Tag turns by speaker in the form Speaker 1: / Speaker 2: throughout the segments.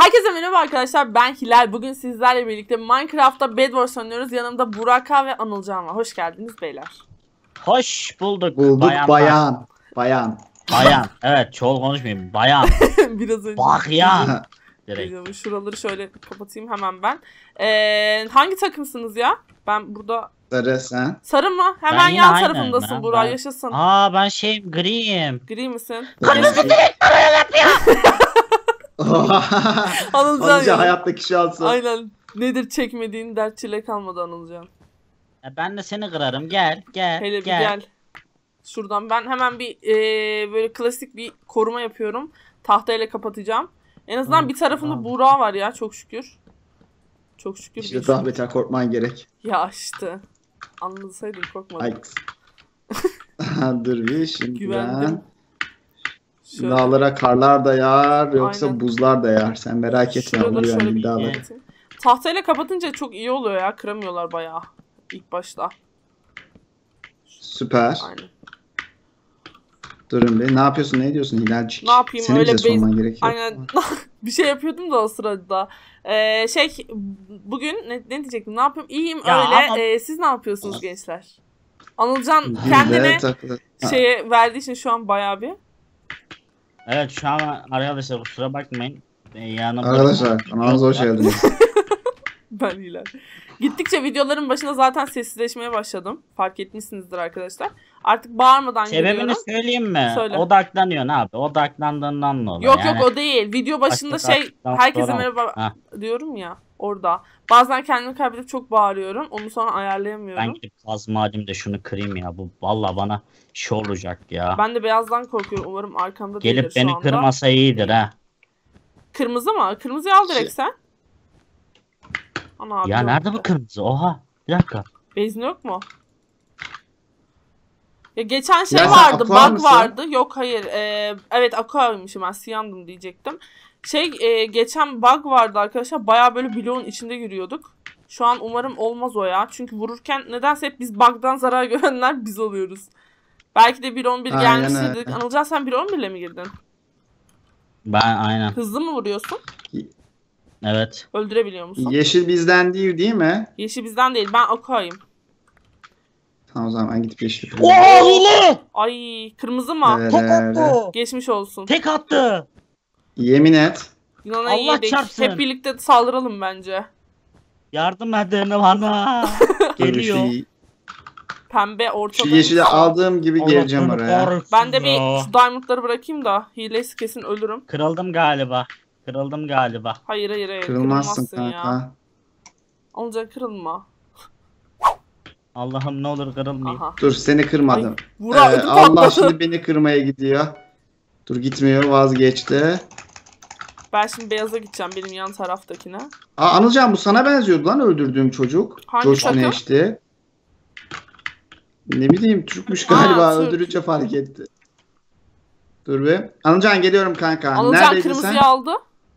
Speaker 1: Herkese merhaba arkadaşlar, ben Hilal. Bugün sizlerle birlikte Minecraft'ta Bed Wars oynuyoruz. Yanımda Buraka ve Anılcan var. Hoş geldiniz beyler.
Speaker 2: Hoş bulduk.
Speaker 3: Bayan.
Speaker 2: Bayan. Evet, çoğul konuşmayayım. Bayan.
Speaker 1: Biraz önce.
Speaker 2: Bayan. Direkt.
Speaker 1: Şuraları şöyle kapatayım hemen ben. Hangi takımsınız ya? Ben burada...
Speaker 3: Sarı sen.
Speaker 1: Sarı mı? Hemen
Speaker 2: Ben yine
Speaker 1: yan
Speaker 2: aynen.
Speaker 1: tarafındasın Burak, yaşasın.
Speaker 2: Ben griyim.
Speaker 1: Gri misin?
Speaker 3: Anılcan hayattaki şansı.
Speaker 1: Aynen. Nedir çekmediğin dert çile kalmadı Anılcan.
Speaker 2: Ben de seni kırarım. Gel.
Speaker 1: Hele bir gel. Şuradan ben hemen bir böyle klasik bir koruma yapıyorum. Tahtayla kapatacağım. En azından bir tarafında Buğra var ya, çok şükür. Çok şükür.
Speaker 3: İşte daha beter korkman gerek.
Speaker 1: Ya işte. Anlasaydın korkmadım.
Speaker 3: Ay. Dur bir şimdi
Speaker 1: Güvendim.
Speaker 3: ben. Dağlara karlar da yağar yoksa
Speaker 1: Aynen.
Speaker 3: buzlar da yağar. Sen merak etme.
Speaker 1: Şuraları şöyle bir
Speaker 3: dağlara.
Speaker 1: tahtayla kapatınca çok iyi oluyor ya. Kıramıyorlar bayağı. İlk başta.
Speaker 3: Süper.
Speaker 1: Aynen.
Speaker 3: Durun bir. Ne yapıyorsun? Ne ediyorsun Hilalcik?
Speaker 1: Ne yapayım?
Speaker 3: Senin
Speaker 1: Öyle
Speaker 3: bize sorman gerekiyor.
Speaker 1: Aynen. Bir şey yapıyordum da o sırada. Bugün ne diyecektim? Ne yapayım? İyiyim
Speaker 2: Ya
Speaker 1: öyle.
Speaker 2: ama-
Speaker 1: Siz ne yapıyorsunuz gençler? Anılcan
Speaker 3: Biz de
Speaker 1: kendine
Speaker 3: takılı-
Speaker 1: şeye verdiği için şu an bayağı bir.
Speaker 2: Evet, şu an arkadaşlar kusura bakmayın. Yanımda...
Speaker 3: Arkadaşlar kanalımıza hoş geldiniz.
Speaker 1: Ben iyiler. Gittikçe videoların başında zaten sessizleşmeye başladım. Fark etmişsinizdir arkadaşlar. Artık bağırmadan
Speaker 2: Sebebini
Speaker 1: geliyorum.
Speaker 2: söyleyeyim mi?
Speaker 1: Söyle.
Speaker 2: Odaklanıyorsun abi. Odaklandığından dolayı.
Speaker 1: Yok o değil. Video başında
Speaker 2: Başka tartışmadan
Speaker 1: herkese
Speaker 2: sonra-
Speaker 1: merhaba
Speaker 2: Ha.
Speaker 1: diyorum ya orada. Bazen kendimi kaybedip çok bağırıyorum. Onu sonra ayarlayamıyorum.
Speaker 2: Ben gidip kazma alayım da şunu kırayım ya. Bu valla bana şey olacak ya.
Speaker 1: Ben de beyazdan korkuyorum. Umarım arkamda
Speaker 2: Gelip
Speaker 1: değildir şu
Speaker 2: beni
Speaker 1: anda.
Speaker 2: kırmasa iyidir ha.
Speaker 1: Kırmızı mı? Kırmızıyı al direkt sen. Ana abi
Speaker 2: Ya
Speaker 1: yok.
Speaker 2: nerede bu kırmızı? Oha. Bir dakika.
Speaker 1: Bezin yok mu? Ya geçen şey
Speaker 3: Ya sen
Speaker 1: vardı,
Speaker 3: aqua
Speaker 1: bug
Speaker 3: mısın?
Speaker 1: vardı. Yok hayır. Evet aqua'ymışım, ben siyandım diyecektim. Geçen bug vardı arkadaşlar. Bayağı böyle bloğun içinde yürüyorduk. Şu an umarım olmaz o ya. Çünkü vururken nedense hep biz bug'dan zarar görenler biz oluyoruz. Belki de 1.11
Speaker 3: Aynen
Speaker 1: gelmiştir
Speaker 3: öyle.
Speaker 1: dedik. Anılcan sen 1.11 ile mi girdin?
Speaker 2: Ben aynen.
Speaker 1: Hızlı mı vuruyorsun?
Speaker 2: Evet.
Speaker 1: Öldürebiliyor musun?
Speaker 3: Yeşil bizden değil mi?
Speaker 1: Yeşil bizden değil. Ben aqua'yım.
Speaker 3: Tamam o zaman ben gidip yeşil
Speaker 2: Hile!
Speaker 1: Ay kırmızı mı?
Speaker 3: Evet.
Speaker 2: Tek attı.
Speaker 1: Geçmiş olsun.
Speaker 2: Tek attı.
Speaker 3: Yemin et.
Speaker 1: Yunan'a
Speaker 2: Allah
Speaker 1: yedik.
Speaker 2: çarpsın.
Speaker 1: Hep birlikte saldıralım bence.
Speaker 2: Yardım edin bana.
Speaker 3: Dur
Speaker 2: Geliyor.
Speaker 1: Pembe
Speaker 3: Şu
Speaker 1: ortada.
Speaker 3: yeşili aldığım gibi geleceğim
Speaker 2: Allah
Speaker 3: oraya.
Speaker 2: kahretsin
Speaker 1: Ben de
Speaker 2: ya.
Speaker 1: bir şu diamondları bırakayım da hilesi kesin ölürüm.
Speaker 2: Kırıldım galiba.
Speaker 1: Hayır.
Speaker 3: Kırılmazsın
Speaker 1: Kırılmazsın ya.
Speaker 3: kanka.
Speaker 1: Olacak kırılma.
Speaker 2: Allah'ım ne olur kırılmayayım.
Speaker 1: Aha.
Speaker 3: Dur seni kırmadım.
Speaker 1: Ay, Burak ödü
Speaker 3: Allah
Speaker 1: patladı.
Speaker 3: şimdi beni kırmaya gidiyor. Dur gitmiyor vazgeçti.
Speaker 1: Ben şimdi beyaza gideceğim, benim yan taraftakine.
Speaker 3: Anılcan bu sana benziyordu lan öldürdüğüm çocuk.
Speaker 1: Hangi
Speaker 3: Coşkun
Speaker 1: takım?
Speaker 3: eşti. Ne bileyim Türkmüş galiba
Speaker 1: Türk.
Speaker 3: öldürünce fark etti. Dur be. Anılcan geliyorum kanka.
Speaker 1: Anılcan
Speaker 3: Neredeydin
Speaker 1: kırmızıyı
Speaker 3: sen?
Speaker 1: aldı.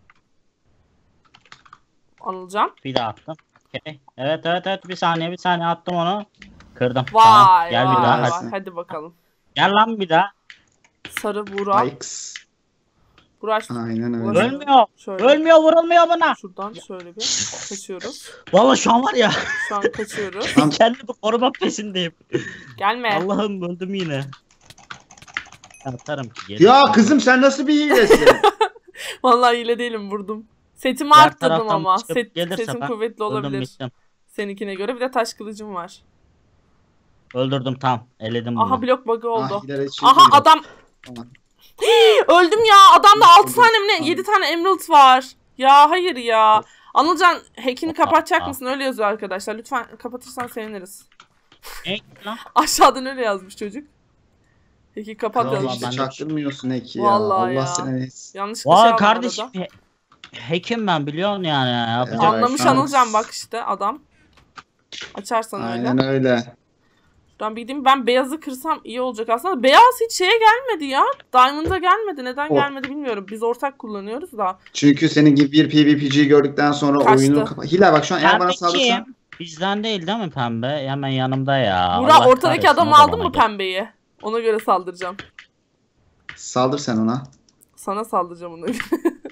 Speaker 1: Anılcan.
Speaker 2: Bir daha attım. Okay. Evet bir saniye attım onu. Kırdım.
Speaker 1: Vay
Speaker 2: Tamam. Gel bir
Speaker 1: vay
Speaker 2: daha
Speaker 1: vay.
Speaker 2: hadi.
Speaker 1: Hadi bakalım.
Speaker 2: Gel lan bir daha.
Speaker 1: Sarı Burak.
Speaker 3: Ayks.
Speaker 1: Burak
Speaker 3: Aynen öyle.
Speaker 1: Ulaşın.
Speaker 2: Ölmüyor.
Speaker 1: Şöyle.
Speaker 2: Ölmüyor, vurulmuyor bana.
Speaker 1: Şuradan şöyle bir kaçıyoruz.
Speaker 2: Vallahi şu an var ya.
Speaker 1: Şu an kaçıyoruz.
Speaker 3: Tamam.
Speaker 2: Kendimi koruma peşindeyim.
Speaker 1: Gelme.
Speaker 2: Allah'ım öldüm yine. Atarım ki. geri.
Speaker 3: Ya kızım sen nasıl bir hilesin?
Speaker 1: Vallahi hile değilim, vurdum. Setimi
Speaker 2: Diğer
Speaker 1: arttırdım
Speaker 2: taraftan
Speaker 1: ama.
Speaker 2: çıkıp gelirse
Speaker 1: Sesim
Speaker 2: ben
Speaker 1: kuvvetli
Speaker 2: öldüm,
Speaker 1: olabilir.
Speaker 2: bittim.
Speaker 1: Seninkine göre. Bir de taş kılıcım var.
Speaker 2: Öldürdüm tam. Eledim bunu.
Speaker 1: Aha blok bug'ı oldu.
Speaker 3: Hilal için
Speaker 1: Aha
Speaker 3: değil.
Speaker 1: adam.
Speaker 3: Tamam.
Speaker 1: Öldüm ya. Adamda 6 tane mi ne?
Speaker 3: Tamam.
Speaker 1: 7 tane emerald var. Ya hayır ya. Anılcan hack'ini kapatacak
Speaker 2: Aa.
Speaker 1: mısın? Öyle yazıyor arkadaşlar. Lütfen kapatırsan seviniriz.
Speaker 2: Ne lan?
Speaker 1: Aşağıdan öyle yazmış çocuk. Hack'i kapat
Speaker 2: Vallahi
Speaker 3: Al
Speaker 1: yazmış.
Speaker 3: işte
Speaker 2: ben de-
Speaker 3: çaktırmıyorsun Eki ya.
Speaker 1: Vallahi
Speaker 3: Allah
Speaker 1: ya.
Speaker 3: seni neyse.
Speaker 1: Yanlışlıkla şey
Speaker 2: Vay
Speaker 1: aldım
Speaker 2: kardeşim.
Speaker 1: arada.
Speaker 2: Hack'im ben biliyorsun yani. Yapacak.
Speaker 3: Evet.
Speaker 1: Anlamış
Speaker 3: şu an-
Speaker 1: Anılcan bak işte adam. Açarsan öyle.
Speaker 3: Aynen öyle.
Speaker 1: Şuradan bir gideyim. Ben beyazı kırsam iyi olacak aslında. Beyaz hiç şeye gelmedi ya. Diamond'a gelmedi. Neden
Speaker 3: O-
Speaker 1: gelmedi bilmiyorum. Biz ortak kullanıyoruz da.
Speaker 3: Çünkü senin gibi bir PvP'ciyi gördükten sonra
Speaker 1: Kaçtı.
Speaker 3: oyunu Hilal bak şu an eğer bana
Speaker 2: Pembe
Speaker 3: saldırsan.
Speaker 2: kim? Bizden değil mi pembe? Hemen yanımda ya.
Speaker 1: Burak
Speaker 2: Allah
Speaker 1: ortadaki
Speaker 2: kahretsin,
Speaker 1: adamı
Speaker 2: o da
Speaker 1: aldın
Speaker 2: bana
Speaker 1: mı
Speaker 2: gel-
Speaker 1: pembeyi? Ona göre saldıracağım.
Speaker 3: Saldır sen ona.
Speaker 1: Sana saldıracağım ona göre.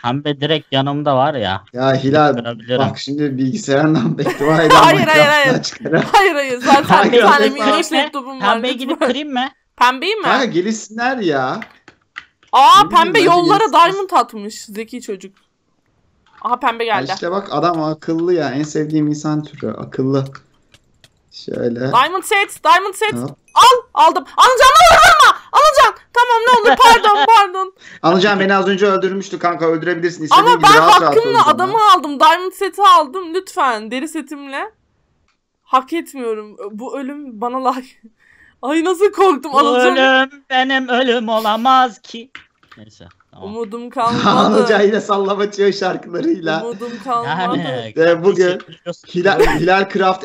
Speaker 2: Pembe direkt yanımda var ya.
Speaker 3: Ya Hilal
Speaker 2: Çıkarabilirim.
Speaker 3: bak şimdi bilgisayarından beddua eden
Speaker 1: Hayır, hayır,
Speaker 3: Minecraft'tan
Speaker 1: hayır.
Speaker 3: çıkaran.
Speaker 1: Hayır zaten
Speaker 3: Hayır,
Speaker 1: bir tane
Speaker 3: hayır.
Speaker 1: minnoş laptopum var.
Speaker 2: Pembeyi gidip
Speaker 1: lütfen.
Speaker 2: kırayım mı?
Speaker 1: Pembeyi mi?
Speaker 3: Kanka gelişsinler ya.
Speaker 1: Aa
Speaker 3: Ne bileyim,
Speaker 1: pembe
Speaker 3: bence
Speaker 1: yollara
Speaker 3: gelişsin.
Speaker 1: diamond atmış. Zeki çocuk. Aha pembe
Speaker 3: Ya
Speaker 1: geldi.
Speaker 3: İşte bak adam akıllı ya. En sevdiğim insan türü akıllı. Şöyle.
Speaker 1: Diamond set. Diamond set.
Speaker 3: Hop.
Speaker 1: Aldım. Anılcan vurma. Anılcan. Tamam ne olur pardon.
Speaker 3: Anılcan beni az önce öldürmüştü kanka, öldürebilirsin. İstediğin
Speaker 1: Ama
Speaker 3: gibi
Speaker 1: ben
Speaker 3: rahat rahat
Speaker 1: hakkımla
Speaker 3: öldür
Speaker 1: adamı
Speaker 3: bana.
Speaker 1: aldım. Diamond seti aldım. Lütfen deri setimle. Hak etmiyorum. Bu ölüm bana layık. Ay nasıl korktum
Speaker 2: Bu
Speaker 1: Anılcan.
Speaker 2: ölüm benim ölüm olamaz ki. Neyse tamam.
Speaker 1: Umudum kalmadı.
Speaker 3: Anılcan yine sallamaçıyor şarkılarıyla.
Speaker 1: Umudum kalmadı.
Speaker 2: Yani
Speaker 3: Bugün
Speaker 2: biliyorsun.
Speaker 3: Hilal Craft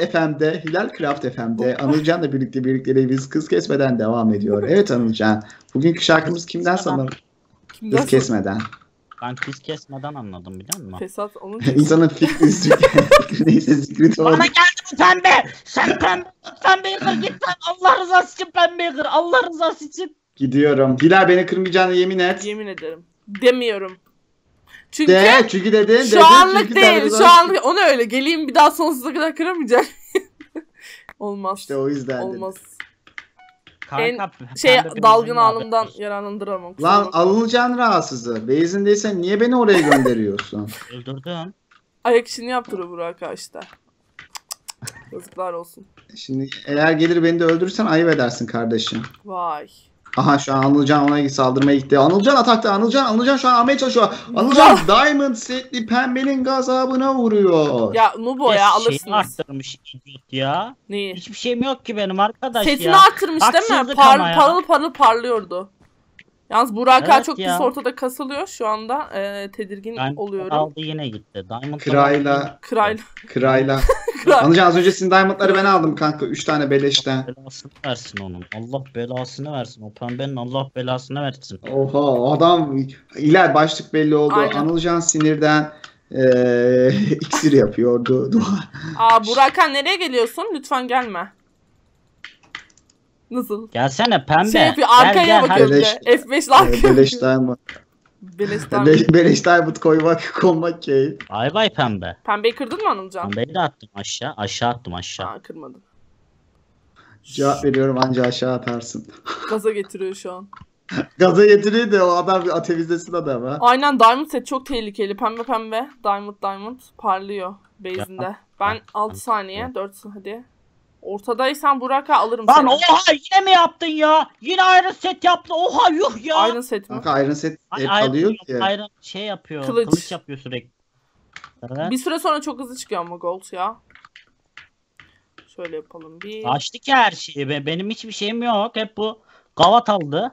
Speaker 3: FM'de Anılcan'la birlikte biz kız kesmeden devam ediyor. Evet Anılcan. Bugünkü şarkımız kimden sanırım?
Speaker 1: Kimden
Speaker 3: Kız kesmeden.
Speaker 2: Ben kız kesmeden anladım biliyor musun?
Speaker 1: Fesat onun
Speaker 3: İnsanın fikri neyse zikri doğru.
Speaker 2: Bana geldi bu pembe. Sen pembeyi kır git sen. Allah rızası için pembeyi kır. Allah rızası için.
Speaker 3: Gidiyorum. Hilal beni kırmayacağına yemin et.
Speaker 1: yemin ederim. Demiyorum. Çünkü
Speaker 3: Çünkü dedin.
Speaker 1: şu anlık
Speaker 3: çünkü
Speaker 1: değil.
Speaker 3: sen
Speaker 1: Şu anlık onu öyle. Geleyim bir daha sonsuza kadar kıramayacak. Olmaz.
Speaker 3: İşte o yüzden dedim.
Speaker 1: Olmaz.
Speaker 2: Kanka,
Speaker 1: Şey
Speaker 2: pembe
Speaker 1: dalgın
Speaker 2: bizim
Speaker 1: anımdan
Speaker 2: muhabbet.
Speaker 3: Lan
Speaker 1: yararlandıramam. kusura bakma.
Speaker 3: Anılcan rahatsızı. Beyzindeysen niye beni oraya gönderiyorsun?
Speaker 2: Öldürdüm.
Speaker 1: Ayak işini yaptırıyor Burak işte. Yazıklar olsun.
Speaker 3: Şimdi eğer gelir beni de öldürürsen ayıp edersin kardeşim.
Speaker 1: Vay.
Speaker 3: Aha şu an Anılcan ona saldırmaya gitti. Anılcan atakta. Anılcan şu an almaya çalışıyor. Anılcan Diamond setli pembenin gazabına vuruyor.
Speaker 1: Ya Nubo ya
Speaker 2: Şeyini
Speaker 1: alırsınız.
Speaker 2: arttırmış idiot ya.
Speaker 1: Neyi?
Speaker 2: Hiçbir şeyim yok ki benim arkadaş
Speaker 1: Setini
Speaker 2: ya.
Speaker 1: artırmış değil mi?
Speaker 2: Haksızlık ama ya.
Speaker 1: Parıl parıl parlıyordu. Yalnız Burak
Speaker 2: Evet
Speaker 1: çok
Speaker 2: ya.
Speaker 1: pis ortada kasılıyor şu anda. Tedirgin
Speaker 2: Ben
Speaker 1: oluyorum.
Speaker 2: aldı yine gitti. Diamond
Speaker 3: Kırayla.
Speaker 1: Kral.
Speaker 3: Kırayla.
Speaker 1: Kral.
Speaker 3: Anılcan az önce senin Diamond'ları ben aldım kanka. 3 tane beleşten.
Speaker 2: belasını versin onun. Allah belasını versin. O pembenin Allah belasını versin.
Speaker 3: Oha adam iler başlık belli oldu.
Speaker 1: Aynen.
Speaker 3: Anılcan sinirden iksir yapıyordu.
Speaker 1: Aa Burakhan nereye geliyorsun? Lütfen gelme. Nasıl?
Speaker 2: Gelsene pembe.
Speaker 1: Şey yapıyor
Speaker 2: Gel,
Speaker 1: arkaya
Speaker 2: gel,
Speaker 1: bakıyor
Speaker 2: hadi.
Speaker 1: bir de. F5'le arkaya
Speaker 3: Beleş
Speaker 1: bakıyor.
Speaker 3: Diamond.
Speaker 1: Beleşten.
Speaker 3: Beleş Diamond konmak keyif.
Speaker 2: Bay bay pembe.
Speaker 1: Pembeyi kırdın mı Anılcan?
Speaker 2: Pembeyi de attım aşağı. Aşağı attım aşağı.
Speaker 1: Aa kırmadım.
Speaker 3: Cevap veriyorum anca aşağı atarsın.
Speaker 1: Gaza getiriyor şu an.
Speaker 3: Gaza getiriyor da o adam bir atevizdesin adam ha.
Speaker 1: Aynen Diamond set çok tehlikeli. Pembe pembe. Diamond parlıyor base'inde.
Speaker 2: Ya.
Speaker 1: Ben 6 saniye. 4 hadi. Ortadaysan Burak'a alırım
Speaker 2: Lan
Speaker 1: seni.
Speaker 2: oha yine mi yaptın ya? Yine ayrı set yaptı. Oha yuh ya.
Speaker 1: Iron set mi?
Speaker 3: Kanka Iron Set
Speaker 2: Ay-
Speaker 3: hep
Speaker 2: ayrı-
Speaker 3: kalıyor ki.
Speaker 2: ayrı şey yapıyor.
Speaker 1: Kılıç.
Speaker 2: Kılıç yapıyor sürekli. Evet.
Speaker 1: Bir süre sonra çok hızlı çıkıyor ama gold ya. Şöyle yapalım bir.
Speaker 2: Açtı ki her şeyi. Benim hiçbir şeyim yok. Hep bu gavat aldı.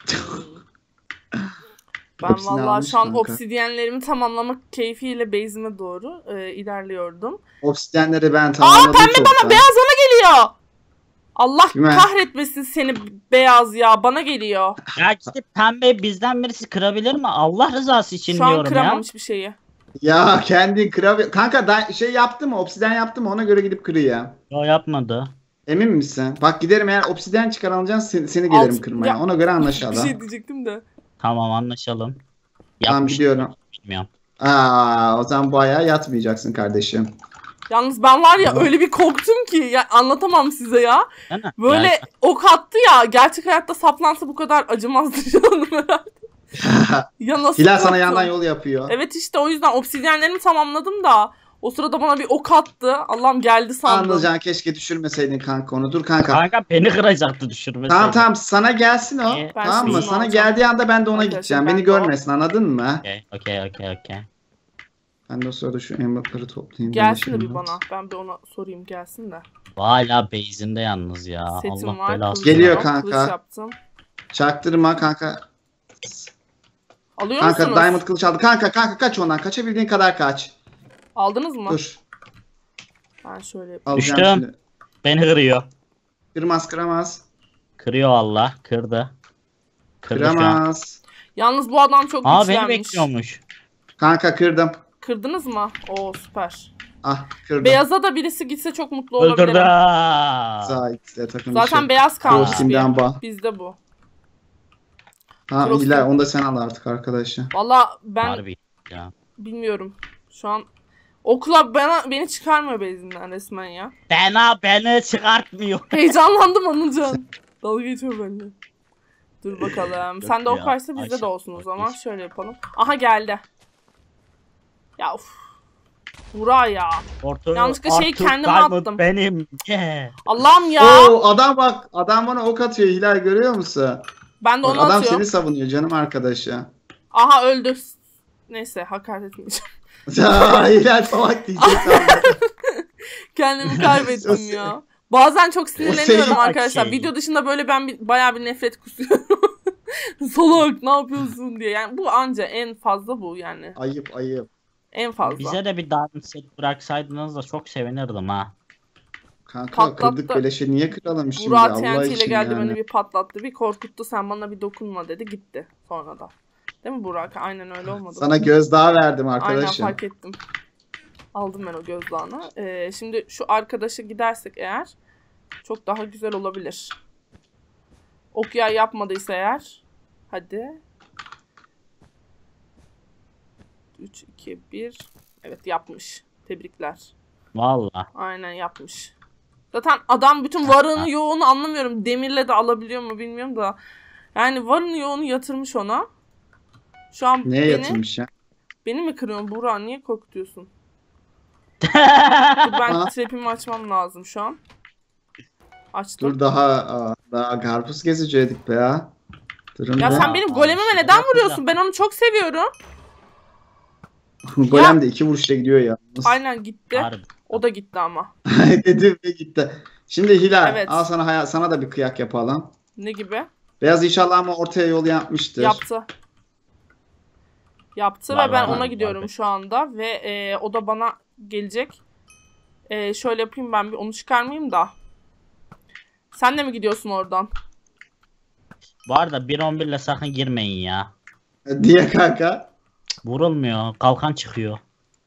Speaker 1: Ben
Speaker 3: Hepsini
Speaker 1: vallahi
Speaker 3: almış
Speaker 1: şu an
Speaker 3: kanka.
Speaker 1: obsidyenlerimi tamamlamak keyfiyle base'ime doğru ilerliyordum.
Speaker 3: Obsidyenleri ben tamamladım.
Speaker 1: pembe
Speaker 3: çoktan.
Speaker 1: Beyaz bana geliyor. Allah
Speaker 3: Kime?
Speaker 1: kahretmesin seni beyaz ya. Bana geliyor.
Speaker 2: Ya işte pembe bizden birisi kırabilir mi? Allah rızası için
Speaker 1: Şu an
Speaker 2: diyorum
Speaker 1: kıramam
Speaker 2: ya.
Speaker 1: hiçbir şeyi.
Speaker 3: Ya kendin kırav... Kanka şey yaptı mı? Obsidyen yaptı mı? Ona göre gidip kırıyor.
Speaker 2: O yapmadı.
Speaker 3: Emin misin? Bak giderim eğer obsidyen çıkar alacaksın seni gelirim
Speaker 1: Alt-
Speaker 3: kırmaya.
Speaker 1: Ya-
Speaker 3: Ona göre
Speaker 1: Bir
Speaker 3: anlaşalım.
Speaker 1: şey diyecektim de.
Speaker 2: Tamam anlaşalım.
Speaker 3: Tamam
Speaker 2: Yapmış
Speaker 3: gidiyorum.
Speaker 2: bilmiyorum.
Speaker 3: O zaman bu ayağa yatmayacaksın kardeşim.
Speaker 1: Yalnız ben var ya
Speaker 3: Tamam.
Speaker 1: öyle bir korktum ki ya anlatamam size ya.
Speaker 2: Değil mi?
Speaker 1: Böyle
Speaker 2: Ya,
Speaker 1: ok attı ya. Gerçek hayatta saplansa bu kadar acımazdı canım herhalde. Ya nasıl
Speaker 3: Hilal sana
Speaker 1: korktum?
Speaker 3: yandan yol yapıyor.
Speaker 1: Evet işte o yüzden obsidyenlerimi tamamladım da. O sırada bana bir ok attı. Allah'ım geldi sandım.
Speaker 3: Anılcan keşke düşürmeseydin kanka onu. Dur kanka.
Speaker 2: Kanka beni kıracaktı düşürmesi.
Speaker 3: Tamam sana gelsin o.
Speaker 2: Ben
Speaker 3: Tamam mı?
Speaker 1: şimdi
Speaker 3: Sana
Speaker 1: alacağım.
Speaker 3: geldiği anda ben de ona
Speaker 1: Arkadaşlar,
Speaker 3: gideceğim.
Speaker 1: ben
Speaker 3: Beni
Speaker 1: de o.
Speaker 3: görmesin anladın mı?
Speaker 2: Okey.
Speaker 3: Ben de o sırada şu emerald'ları toplayayım.
Speaker 1: Gelsin de bir
Speaker 3: Emerald.
Speaker 1: bana. Ben bir ona sorayım gelsin de.
Speaker 2: Hala base'inde yalnız ya.
Speaker 1: Setim
Speaker 2: Allah
Speaker 1: var.
Speaker 2: belası.
Speaker 1: kılıcım
Speaker 3: Geliyor
Speaker 1: yok,
Speaker 3: kanka.
Speaker 1: Kılıç yaptım.
Speaker 3: Çaktırma kanka.
Speaker 1: Alıyor
Speaker 3: Kanka
Speaker 1: musunuz?
Speaker 3: Diamond kılıç aldı. Kanka kaç ondan. Kaçabildiğin kadar kaç.
Speaker 1: Aldınız mı?
Speaker 3: Dur.
Speaker 1: Ben şöyle yapayım.
Speaker 3: Alacağım
Speaker 2: Düştüm.
Speaker 3: şimdi.
Speaker 2: Beni kırıyor.
Speaker 3: Kıramaz.
Speaker 2: Kırıyor Allah. Kırdı. Kırdı şu an.
Speaker 3: Kıramaz.
Speaker 1: Yalnız bu adam çok
Speaker 2: Aa beni
Speaker 1: güçlenmiş.
Speaker 2: bekliyormuş.
Speaker 3: Kanka kırdım.
Speaker 1: Kırdınız mı? Oo süper.
Speaker 3: Ah kırdım.
Speaker 1: Beyaza da birisi gitse çok mutlu
Speaker 2: Öldürdü.
Speaker 1: olabilirim.
Speaker 3: Zahit takım
Speaker 1: Zaten
Speaker 3: işi.
Speaker 1: beyaz kalmış
Speaker 3: Ghosting'den
Speaker 1: bir.
Speaker 3: bağ.
Speaker 1: Bizde bu.
Speaker 3: Ha
Speaker 1: Cross'ta.
Speaker 3: Hilal onu da sen al artık arkadaşı.
Speaker 1: Valla ben
Speaker 2: Harbi.
Speaker 4: ya?
Speaker 1: Bilmiyorum. Şu an okula beni çıkarmıyor bezimden resmen ya.
Speaker 4: Beni çıkartmıyor.
Speaker 1: Heyecanlandım Anılcan. Dalga geçiyor benimle. Dur bakalım. Sen de ok
Speaker 4: ya,
Speaker 1: varsa bizde de
Speaker 4: Ayşe,
Speaker 1: olsun o zaman.
Speaker 4: geç.
Speaker 1: Şöyle yapalım. Aha geldi. Ya of. Burak ya.
Speaker 4: Ortaya
Speaker 1: Yanlışlıkla şeyi
Speaker 4: Arthur
Speaker 1: kendime
Speaker 4: Diamond
Speaker 1: attım.
Speaker 4: benim. Yeah.
Speaker 1: Allah'ım ya.
Speaker 3: Oo adam bak adam bana ok atıyor Hilal görüyor musun?
Speaker 1: Ben de
Speaker 3: Bak,
Speaker 1: onu
Speaker 3: adam
Speaker 1: atıyorum.
Speaker 3: seni savunuyor canım arkadaşı.
Speaker 1: Aha öldü. Neyse hakaret etmeyeceğim.
Speaker 3: Ya Hilal salak diyecek.
Speaker 1: Kendimi kaybettim
Speaker 3: O
Speaker 1: ya. Bazen çok sinirleniyorum
Speaker 3: senin
Speaker 1: arkadaşlar.
Speaker 4: şey.
Speaker 1: Video dışında böyle ben bayağı bir nefret kusuyorum. Salak ne yapıyorsun diye. Yani bu anca en fazla bu yani.
Speaker 3: Ayıp ayıp.
Speaker 1: En fazla.
Speaker 4: Bize de bir diamond set bıraksaydınız da çok sevinirdim ha.
Speaker 3: Kanka
Speaker 1: Patlattı.
Speaker 3: kırdık beleşe niye kıralım şimdi
Speaker 1: Burak
Speaker 3: Allah
Speaker 1: TNT ile
Speaker 3: için
Speaker 1: geldi
Speaker 3: yani.
Speaker 1: beni bir patlattı. Bir korkuttu. Sen bana bir dokunma dedi. Gitti sonra da. Değil mi Burak? Aynen öyle olmadı.
Speaker 3: Sana gözdağı verdim
Speaker 1: Aynen
Speaker 3: arkadaşım.
Speaker 1: fark ettim. Aldım ben o gözdağını. Şimdi şu arkadaşa gidersek eğer çok daha güzel olabilir. Okuya yapmadıysa eğer. Hadi. 3, 2, 1. Evet yapmış. Tebrikler.
Speaker 4: Valla.
Speaker 1: Aynen yapmış. Zaten adam bütün varını yoğunu anlamıyorum. Demirle de alabiliyor mu bilmiyorum da. Yani varını yoğunu yatırmış ona. Şu an
Speaker 3: Neye yatırmış ya?
Speaker 1: beni mi kırıyorsun Burak? Niye korkutuyorsun? Dur ben
Speaker 3: Ha?
Speaker 1: trap'imi açmam lazım şu an. Açtım.
Speaker 3: Dur daha karpuz gezecektik be ya. Durun
Speaker 1: Ya
Speaker 3: be.
Speaker 1: sen benim golemime
Speaker 4: şey
Speaker 1: neden vuruyorsun? Ben onu çok seviyorum.
Speaker 3: Golem de 2 vuruşla gidiyor ya.
Speaker 1: Aynen gitti.
Speaker 4: Harbi.
Speaker 1: O da gitti ama.
Speaker 3: Dedim ve gitti. Şimdi Hilal
Speaker 1: Evet.
Speaker 3: al sana da bir kıyak yapalım.
Speaker 1: Ne gibi?
Speaker 3: Beyaz inşallah ama ortaya yol yapmıştır.
Speaker 1: Yaptı. Yaptı
Speaker 4: Var,
Speaker 1: ve ben
Speaker 4: var,
Speaker 1: ona
Speaker 4: var,
Speaker 1: gidiyorum
Speaker 4: var.
Speaker 1: şu anda ve o da bana gelecek. Şöyle yapayım ben bir onu çıkarmayayım da. Sen de mi gidiyorsun oradan?
Speaker 4: Bu arada 1.11 ile sakın girmeyin ya.
Speaker 3: Diye kanka.
Speaker 4: Vurulmuyor. Kalkan çıkıyor.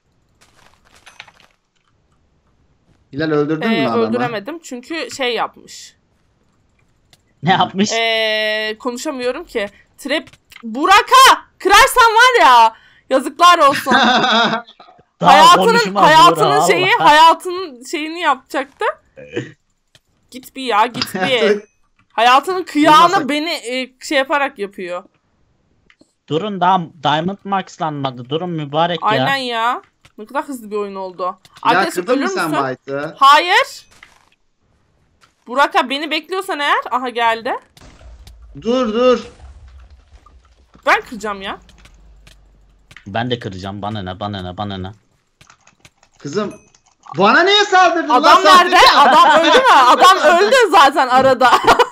Speaker 3: Hilal öldürdün mü adamı?
Speaker 1: Öldüremedim çünkü şey yapmış.
Speaker 4: Ne yapmış?
Speaker 1: Konuşamıyorum ki. Trap Burak'a kırarsan var ya yazıklar olsun.
Speaker 4: Daha konuşmaz
Speaker 1: hayatının
Speaker 4: Burak,
Speaker 1: şeyi
Speaker 4: Allah.
Speaker 1: hayatının şeyini yapacaktı. Git bir ya git bir. Hayatının kıyağını
Speaker 3: Durmasak-
Speaker 1: beni şey yaparak yapıyor.
Speaker 4: Durun daha Diamond Max'lanmadı. Durun mübarek ya.
Speaker 1: Aynen ya. Ne kadar hızlı bir oyun oldu.
Speaker 3: Ya
Speaker 1: Arkadaşım
Speaker 3: kırdın
Speaker 1: ölür
Speaker 3: mı sen
Speaker 1: müsün?
Speaker 3: Bayt'ı?
Speaker 1: Hayır. Burak'a beni bekliyorsan eğer. Aha geldi.
Speaker 3: Dur.
Speaker 1: Ben kıracağım ya.
Speaker 4: Ben de kıracağım. Bana ne.
Speaker 3: Kızım. Bana niye saldırdın lan
Speaker 1: Adam
Speaker 3: sen?
Speaker 1: nerede? Adam öldü mü? Adam öldü zaten arada.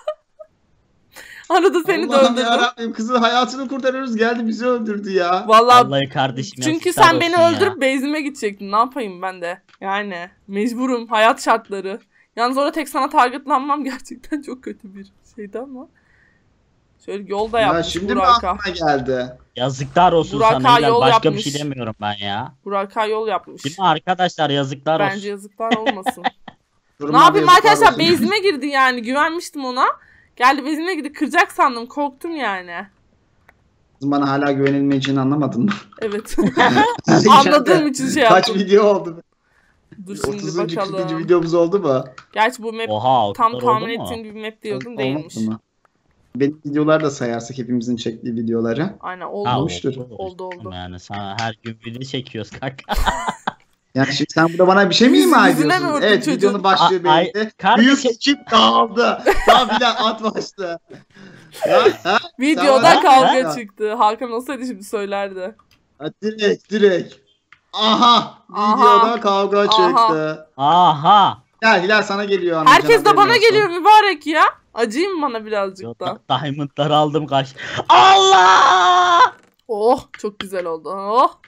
Speaker 1: Arada seni de
Speaker 3: Allah'ım
Speaker 1: öldürdüm.
Speaker 3: yarabbim kızın hayatını kurtarıyoruz geldi bizi öldürdü ya.
Speaker 1: Vallahi
Speaker 4: Vallahi kardeşim
Speaker 1: çünkü
Speaker 4: yazıklar
Speaker 1: sen beni
Speaker 4: olsun ya.
Speaker 1: öldürüp base'ime gidecektin. Ne yapayım ben de? Yani mecburum. Hayat şartları. Yalnız orada tek sana targetlanmam gerçekten çok kötü bir şeydi ama. Şöyle yolda
Speaker 3: Ya
Speaker 1: yapmış
Speaker 3: şimdi mi
Speaker 1: Burak'a.
Speaker 3: aklıma geldi?
Speaker 4: Yazıklar olsun
Speaker 1: Burak'a
Speaker 4: sana. Hilal.
Speaker 1: yol
Speaker 4: Başka
Speaker 1: yapmış.
Speaker 4: bir şey demiyorum ben ya.
Speaker 1: Burak'a yol yapmış.
Speaker 4: Değil mi arkadaşlar yazıklar
Speaker 1: Bence
Speaker 4: olsun.
Speaker 1: yazıklar olmasın.
Speaker 3: Duruma
Speaker 1: Ne yapayım
Speaker 3: yazıklar
Speaker 1: arkadaşlar?
Speaker 3: olsun.
Speaker 1: Base'ime girdi yani. Güvenmiştim ona. Geldi base'ime girdi. Kıracak sandım. Korktum yani.
Speaker 3: Kızım bana hala güvenilmeyeceğini anlamadın mı?
Speaker 1: Evet. Anladığım için şey
Speaker 3: Kaç
Speaker 1: yaptım.
Speaker 3: video oldu?
Speaker 1: Dur şimdi
Speaker 3: 30. 40.
Speaker 1: bakalım.
Speaker 3: videomuz oldu mu?
Speaker 1: Gerçi bu map
Speaker 4: Oha
Speaker 1: tam
Speaker 4: tam
Speaker 1: tahmin
Speaker 4: oldu mu?
Speaker 1: ettiğim bir map diyordum
Speaker 3: Olmadı
Speaker 1: değilmiş.
Speaker 3: mı? Benim videolar da sayarsak hepimizin çektiği videoları.
Speaker 1: Aynen oldu.
Speaker 4: Ha,
Speaker 3: Olmuştur.
Speaker 1: Oldu.
Speaker 4: Yani sana her gün video çekiyoruz kanka.
Speaker 3: Yani şimdi sen burada bana bir şey mi ima
Speaker 1: Yüzüne mi
Speaker 3: ediyorsun?
Speaker 1: vurdun
Speaker 3: Evet
Speaker 1: çocuğun?
Speaker 3: videonun başlığı
Speaker 4: Ay,
Speaker 3: belli.
Speaker 4: kardeşim-
Speaker 3: Büyük ekip dağıldı. Daha bile at başladı. Ya, ha?
Speaker 1: Videoda
Speaker 3: Sen-
Speaker 1: kavga
Speaker 3: Ha?
Speaker 1: çıktı. Hakan olsaydı şimdi söylerdi.
Speaker 3: Ha, direkt. Aha.
Speaker 1: Aha.
Speaker 3: Videoda kavga
Speaker 1: Aha.
Speaker 3: çıktı.
Speaker 4: Aha.
Speaker 3: Ya Hilal sana geliyor. anlayacağın
Speaker 1: Herkes de
Speaker 3: haberin
Speaker 1: bana
Speaker 3: olsun.
Speaker 1: geliyor mübarek ya. Acıyım bana birazcık da.
Speaker 4: Diamond'ları aldım kaç. Allah!
Speaker 1: Oh çok güzel oldu. Oh.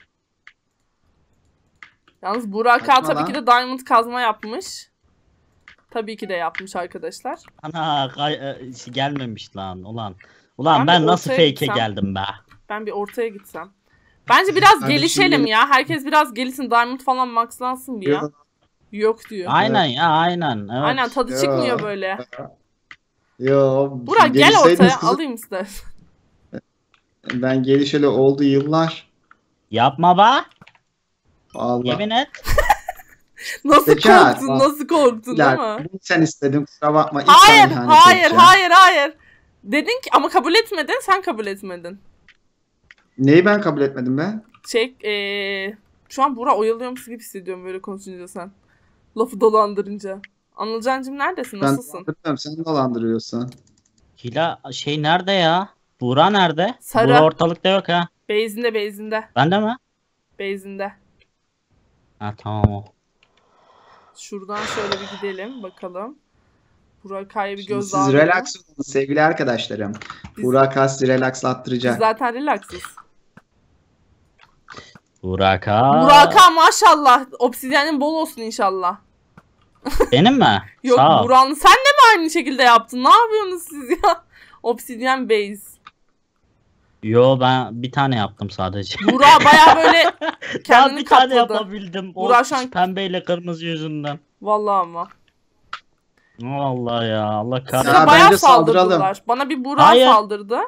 Speaker 1: Yalnız Burak'a
Speaker 3: Kaçma
Speaker 1: tabii
Speaker 3: lan.
Speaker 1: ki de diamond kazma yapmış. Tabii ki de yapmış arkadaşlar.
Speaker 4: Ana gelmemiş lan ulan.
Speaker 1: Ben
Speaker 4: Ulan ben
Speaker 1: bir
Speaker 4: nasıl
Speaker 1: ortaya
Speaker 4: fake'e
Speaker 1: gitsem.
Speaker 4: geldim be.
Speaker 1: Ben bir ortaya gitsem. Bence biraz
Speaker 3: Kardeşim
Speaker 1: gelişelim
Speaker 3: benim-
Speaker 1: ya. Herkes biraz gelişsin. Diamond falan maxlansın bir ya.
Speaker 3: Yok.
Speaker 1: Yok diyor.
Speaker 4: Aynen ya aynen. Evet.
Speaker 1: Aynen tadı
Speaker 3: Ya.
Speaker 1: çıkmıyor böyle.
Speaker 3: Yo.
Speaker 1: Burak gel
Speaker 3: gelişseydiniz
Speaker 1: ortaya
Speaker 3: kızım.
Speaker 1: alayım istersen.
Speaker 3: Ben gelişeli oldu yıllar.
Speaker 4: Yapma be.
Speaker 3: Allah.
Speaker 4: Yemin et.
Speaker 1: Nasıl
Speaker 3: Zekat,
Speaker 1: korktun?
Speaker 3: bak.
Speaker 1: Nasıl korktun değil
Speaker 3: Hilal,
Speaker 1: mi?
Speaker 3: bunu sen istedin, kusura bakma. İlk
Speaker 1: Hayır,
Speaker 3: sana ihanet
Speaker 1: hayır,
Speaker 3: edeceğim.
Speaker 1: hayır, hayır. Dedin ki ama kabul etmedin. Sen kabul etmedin.
Speaker 3: Neyi ben kabul etmedim be?
Speaker 1: Şu an Burak oyalıyormuş gibi hissediyorum böyle konuşunca sen. Lafı dolandırınca. Anılcancığım neredesin?
Speaker 3: Ben
Speaker 1: Nasılsın?
Speaker 3: dolandırmıyorum, sen dolandırıyorsun.
Speaker 4: Hila şey nerede ya? Buğra nerede?
Speaker 1: Sarı.
Speaker 4: Buğra ortalıkta yok ha.
Speaker 1: Beyzinde.
Speaker 4: Bende mi?
Speaker 1: Beyzinde.
Speaker 4: Ha tamam o.
Speaker 1: Şuradan şöyle bir gidelim bakalım. Burak Kaya bir
Speaker 3: Şimdi
Speaker 1: göz
Speaker 3: siz
Speaker 1: daha
Speaker 3: relax olun sevgili arkadaşlarım.
Speaker 1: Biz-
Speaker 3: Burak Has
Speaker 1: Biz
Speaker 3: relaxlattıracak.
Speaker 1: zaten relaxız.
Speaker 4: Burak ha.
Speaker 1: Burak'a maşallah. Obsidyenin bol olsun inşallah.
Speaker 4: Benim mi?
Speaker 1: Yok
Speaker 4: Sağ ol.
Speaker 1: Burak'ın sen de mi aynı şekilde yaptın? Ne yapıyorsunuz siz ya? Obsidyen base.
Speaker 4: Yo ben bir tane yaptım sadece.
Speaker 1: Burak baya böyle
Speaker 4: Ben
Speaker 1: kendini
Speaker 4: bir tane
Speaker 1: kapladı.
Speaker 4: yapabildim. O
Speaker 1: Burak şu an-
Speaker 4: pembeyle kırmızı yüzünden.
Speaker 1: Vallahi ama.
Speaker 4: Allah ya Allah
Speaker 1: Size
Speaker 4: kahretsin.
Speaker 3: Ya
Speaker 1: bayağı
Speaker 3: bence saldıralım.
Speaker 1: saldırdılar. Bana bir Burak
Speaker 4: Hayır.
Speaker 1: saldırdı.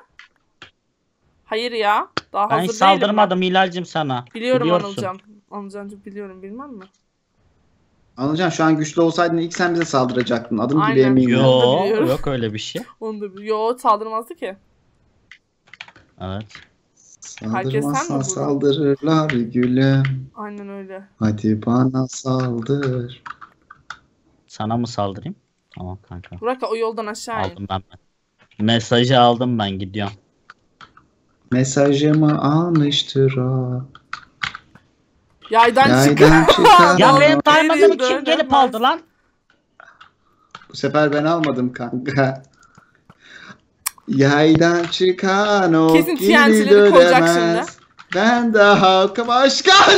Speaker 1: Hayır ya. Daha
Speaker 4: Ben
Speaker 1: hazır
Speaker 4: hiç
Speaker 1: değilim
Speaker 4: saldırmadım Hilal'cim sana.
Speaker 1: ben. Biliyorum
Speaker 4: Biliyorsun.
Speaker 1: Anılcan. Anılcancığım biliyorum bilmem mi?
Speaker 3: Anılcan şu an güçlü olsaydın ilk sen bize saldıracaktın. Adım gibi
Speaker 1: Aynen.
Speaker 3: eminim.
Speaker 4: Yo
Speaker 1: Biliyorum.
Speaker 4: yok öyle bir şey.
Speaker 1: Onu da Yo saldırmazdı ki.
Speaker 4: Evet.
Speaker 1: Herkes sen mi
Speaker 3: Saldırmazsan
Speaker 1: Burak?
Speaker 3: saldırırlar gülüm.
Speaker 1: Aynen öyle.
Speaker 3: Hadi bana saldır.
Speaker 4: Sana mı saldırayım? Tamam kanka.
Speaker 1: Burak o yoldan aşağı in.
Speaker 4: Aldım ben. Mesajı aldım ben gidiyorum.
Speaker 3: Mesajımı almıştır o.
Speaker 1: Yaydan çık.
Speaker 3: Yaydan çıkan
Speaker 4: Ya
Speaker 3: o.
Speaker 4: benim diamond'ımı
Speaker 1: Geri
Speaker 4: kim gelip
Speaker 1: dönemez.
Speaker 4: aldı lan?
Speaker 3: Bu sefer ben almadım kanka. Yaydan çıkan o
Speaker 1: Kesin
Speaker 3: geri
Speaker 1: TNT'leri koyacak
Speaker 3: dönemez. Ben de halkıma aşkım.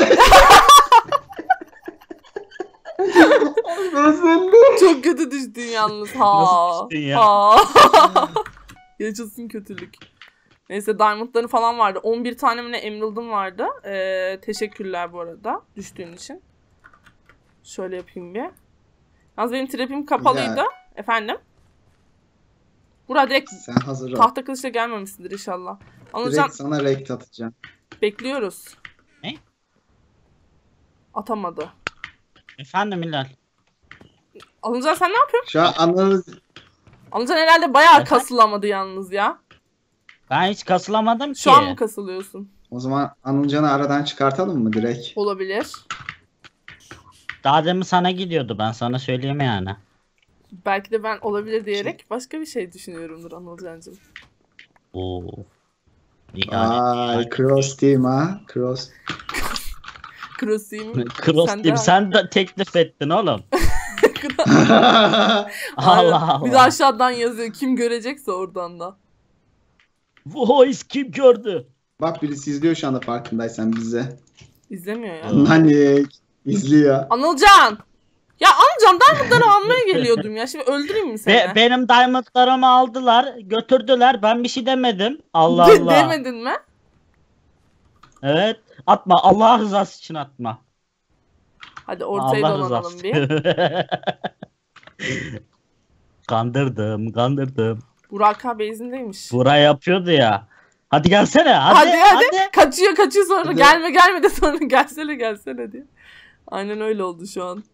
Speaker 1: Çok kötü düştün yalnız. Ha.
Speaker 4: Nasıl düştün ya?
Speaker 1: Ha. Yaşasın kötülük. Neyse diamondların falan vardı. 11 tane mi ne emerald'ım vardı. Teşekkürler bu arada düştüğün için. Şöyle yapayım bir. Yalnız benim trap'im kapalıydı.
Speaker 3: Güzel.
Speaker 1: Efendim? Burada direkt
Speaker 3: Sen hazır ol.
Speaker 1: tahta kılıçla gelmemişsindir inşallah. Anılcan
Speaker 3: Direkt sana rekt atacağım.
Speaker 1: bekliyoruz.
Speaker 4: Ne?
Speaker 1: Atamadı.
Speaker 4: Efendim Hilal.
Speaker 1: Anılcan sen ne yapıyorsun?
Speaker 3: Şu an
Speaker 1: Anılcan herhalde bayağı
Speaker 4: Efendim?
Speaker 1: kasılamadı yalnız ya.
Speaker 4: Ben hiç kasılamadım ki.
Speaker 1: Şu an mı kasılıyorsun?
Speaker 3: o zaman Anılcan'ı aradan çıkartalım mı direkt?
Speaker 1: Olabilir.
Speaker 4: Daha demin sana gidiyordu ben sana söyleyeyim yani.
Speaker 1: Belki de ben olabilir diyerek başka bir şey düşünüyorumdur Anılcan'cığım.
Speaker 4: Oo.
Speaker 3: Ay cross team ha. Cross.
Speaker 1: Cross'uyum.
Speaker 4: Cross
Speaker 1: Sen
Speaker 4: team
Speaker 1: de-
Speaker 4: sen de teklif ettin oğlum.
Speaker 1: Aynen.
Speaker 4: Allah
Speaker 1: Bir de
Speaker 4: Allah.
Speaker 1: aşağıdan yazıyor. Kim görecekse oradan da.
Speaker 4: Voice kim gördü?
Speaker 3: Bak birisi izliyor şu anda farkındaysan bizi.
Speaker 1: İzlemiyor ya.
Speaker 3: Nanik izliyor.
Speaker 1: Anılcan! Ya Anılcan diamondları almaya geliyordum ya. Şimdi öldüreyim mi seni?
Speaker 4: Benim diamondlarımı aldılar, götürdüler. Ben bir şey demedim. Allah Allah.
Speaker 1: Demedin mi?
Speaker 4: Evet. Atma. Allah rızası için atma.
Speaker 1: Hadi ortayı
Speaker 4: Allah
Speaker 1: dolanalım
Speaker 4: rızası.
Speaker 1: bir.
Speaker 4: Kandırdım.
Speaker 1: Burak abi izindeymiş.
Speaker 4: Bura yapıyordu ya. Hadi gelsene. Hadi.
Speaker 1: Hadi. Kaçıyor sonra.
Speaker 3: Hadi.
Speaker 1: Gelme de sonra gelsene diye. Aynen öyle oldu şu an.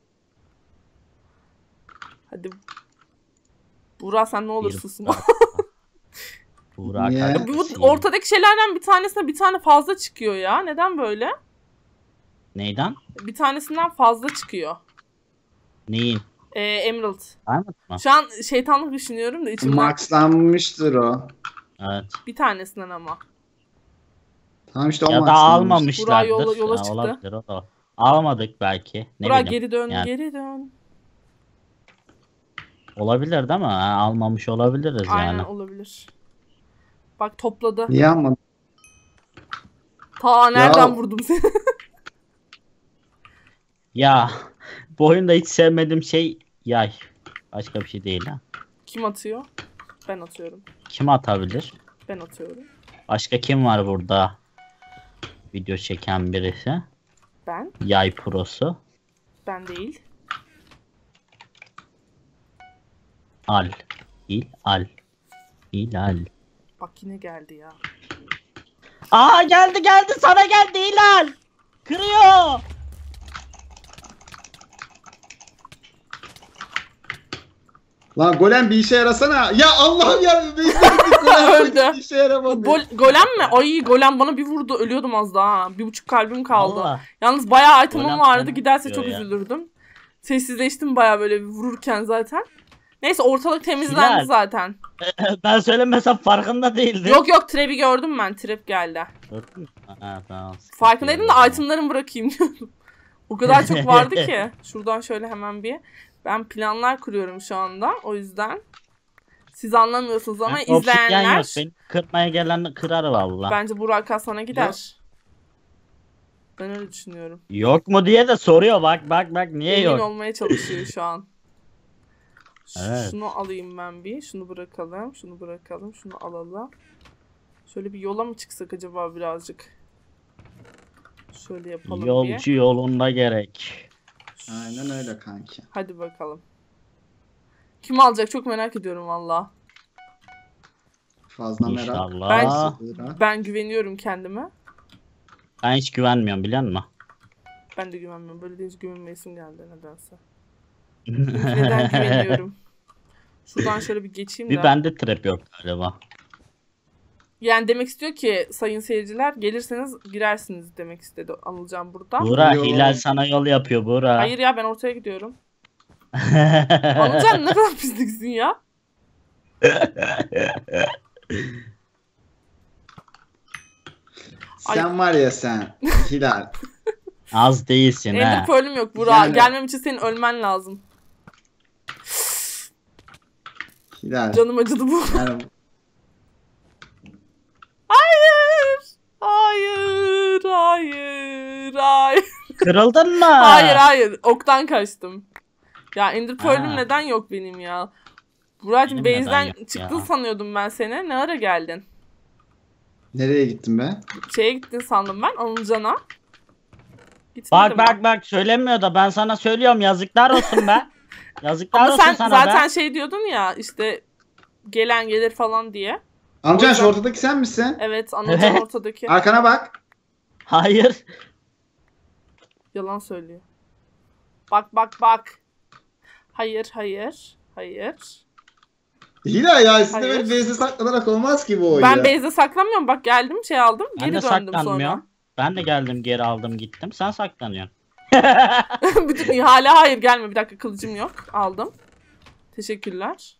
Speaker 1: Hadi. Burak sen ne olur susma.
Speaker 4: Burak.
Speaker 3: Niye?
Speaker 4: hadi.
Speaker 1: Bu ortadaki şeylerden bir tanesine bir tane fazla çıkıyor ya. Neden böyle?
Speaker 4: Neyden?
Speaker 1: Bir tanesinden fazla çıkıyor.
Speaker 4: Neyin?
Speaker 1: Emerald.
Speaker 4: Diamond mı?
Speaker 1: Şu an şeytanlık düşünüyorum da içimden.
Speaker 3: Maxlanmıştır o.
Speaker 4: Evet.
Speaker 1: Bir tanesinden ama.
Speaker 3: Tamam işte o
Speaker 4: Ya da
Speaker 3: maxlanmış.
Speaker 4: almamışlardır.
Speaker 1: Burak yola
Speaker 4: Ya,
Speaker 1: çıktı.
Speaker 4: olabilir o da. Almadık belki. Ne
Speaker 1: Burak
Speaker 4: bileyim.
Speaker 1: geri dön,
Speaker 4: Yani.
Speaker 1: geri dön.
Speaker 4: Olabilir değil mi? Ha, almamış olabiliriz
Speaker 1: Aynen
Speaker 4: yani.
Speaker 1: olabilir. Bak topladı.
Speaker 3: Niye almadın?
Speaker 1: Ta nereden
Speaker 3: Ya.
Speaker 1: vurdum seni?
Speaker 4: Ya bu oyunda hiç sevmediğim şey yay. Başka bir şey değil ha.
Speaker 1: Kim atıyor? Ben atıyorum.
Speaker 4: Kim atabilir?
Speaker 1: Ben atıyorum.
Speaker 4: Başka kim var burada? Video çeken birisi.
Speaker 1: Ben.
Speaker 4: Yay prosu.
Speaker 1: Ben değil.
Speaker 4: Al. Hilal.
Speaker 1: Bak yine geldi ya.
Speaker 4: Aa geldi sana geldi Hilal. Kırıyor.
Speaker 3: Lan golem bir işe yarasana. Ya Allah'ım ya. Golem
Speaker 1: Öldü.
Speaker 3: bir işe yaramadı.
Speaker 1: Golem mi? Ay golem bana bir vurdu. Ölüyordum az daha. 1,5 kalbim kaldı.
Speaker 4: Allah.
Speaker 1: Yalnız bayağı itemim
Speaker 4: Golem
Speaker 1: vardı.
Speaker 4: sana
Speaker 1: Giderse
Speaker 4: diyor
Speaker 1: çok
Speaker 4: ya.
Speaker 1: üzülürdüm. Sessizleştim bayağı böyle vururken zaten. Neyse ortalık temizlendi
Speaker 4: Hilal.
Speaker 1: zaten.
Speaker 4: Ben söylemesem farkında değildim.
Speaker 1: Yok trap'i gördüm ben. Trap geldi.
Speaker 4: Gördün mü? Ha, tamam.
Speaker 1: Farkındaydım da itemlarımı bırakayım diyordum. O kadar çok vardı ki. Şuradan şöyle hemen bir. Ben planlar kuruyorum şu anda. O yüzden. Siz anlamıyorsunuz ama
Speaker 4: Obsidyen
Speaker 1: izleyenler.
Speaker 4: yok. Beni kırmaya gelen kırar valla.
Speaker 1: Bence Burak Hasan'a gider. Ben öyle düşünüyorum.
Speaker 4: Yok mu diye de soruyor bak niye
Speaker 1: Emin
Speaker 4: yok?
Speaker 1: olmaya çalışıyor şu an.
Speaker 4: Evet.
Speaker 1: Şunu alayım ben bir. Şunu bırakalım. Şunu bırakalım. Şunu alalım. Şöyle bir yola mı çıksak acaba birazcık? Şöyle yapalım bir.
Speaker 4: Yolcu yolunda gerek.
Speaker 3: Aynen öyle kanki.
Speaker 1: Hadi bakalım. Kim alacak çok merak ediyorum valla.
Speaker 3: Fazla merak.
Speaker 4: İnşallah.
Speaker 1: Ben güveniyorum kendime.
Speaker 4: Ben hiç güvenmiyorum biliyor musun?
Speaker 1: Ben de güvenmiyorum. Böyle deyince güvenmeyesim geldi nedense. Neden güveniyorum? Şuradan şöyle bir geçeyim de.
Speaker 4: Bir bende trap yok galiba.
Speaker 1: Yani demek istiyor ki sayın seyirciler gelirseniz girersiniz demek istedi Anılcan burada.
Speaker 4: Buğra
Speaker 3: Yo.
Speaker 4: Hilal sana yol yapıyor Buğra.
Speaker 1: Hayır ya ben ortaya gidiyorum. Anılcan ne kadar pisliksin ya.
Speaker 3: Sen var ya sen. Hilal.
Speaker 4: Az değilsin
Speaker 1: Ender
Speaker 4: ha.
Speaker 1: Pearl'üm yok Burak.
Speaker 3: Yani-
Speaker 1: Gelmem için senin ölmen lazım.
Speaker 3: Hilal.
Speaker 1: Canım acıdı bu.
Speaker 3: Yani
Speaker 1: Hayır. Hayır. Hayır. Hayır.
Speaker 4: Kırıldın mı?
Speaker 1: Hayır. Oktan kaçtım. Ya Ender Pearl'üm
Speaker 4: Ha.
Speaker 1: neden yok benim ya? Burak'cığım
Speaker 4: Benim neden
Speaker 1: base'den
Speaker 4: yok
Speaker 1: çıktın
Speaker 4: ya?
Speaker 1: sanıyordum ben seni. Ne ara geldin?
Speaker 3: nereye gittin be?
Speaker 1: Şeye gittin sandım ben Anılcan'a. Gitmedim
Speaker 4: Bak söylemiyor da ben sana söylüyorum yazıklar olsun be. Yazıklar
Speaker 1: Ama
Speaker 4: olsun
Speaker 1: sen
Speaker 4: sana
Speaker 1: zaten
Speaker 4: be.
Speaker 1: şey diyordun ya işte gelen gelir falan diye.
Speaker 3: Amcan şu ortadaki sen misin?
Speaker 1: Evet Anılcan
Speaker 4: Evet.
Speaker 1: ortadaki.
Speaker 3: Arkana bak.
Speaker 4: Hayır.
Speaker 1: Yalan söylüyor. Bak. Hayır.
Speaker 3: Hilal ya siz de
Speaker 1: Hayır.
Speaker 3: böyle base'e saklanarak olmaz ki bu oyun
Speaker 1: Ben
Speaker 3: ya.
Speaker 1: base'de saklamıyorum. Bak geldim şey aldım.
Speaker 4: Ben
Speaker 1: Geri
Speaker 4: de
Speaker 1: döndüm
Speaker 4: saklanmıyorum.
Speaker 1: sonra.
Speaker 4: Ben de geldim geri aldım gittim. Sen saklanıyorsun.
Speaker 1: Bütün hala hayır gelme. Bir dakika kılıcım yok. Aldım. Teşekkürler.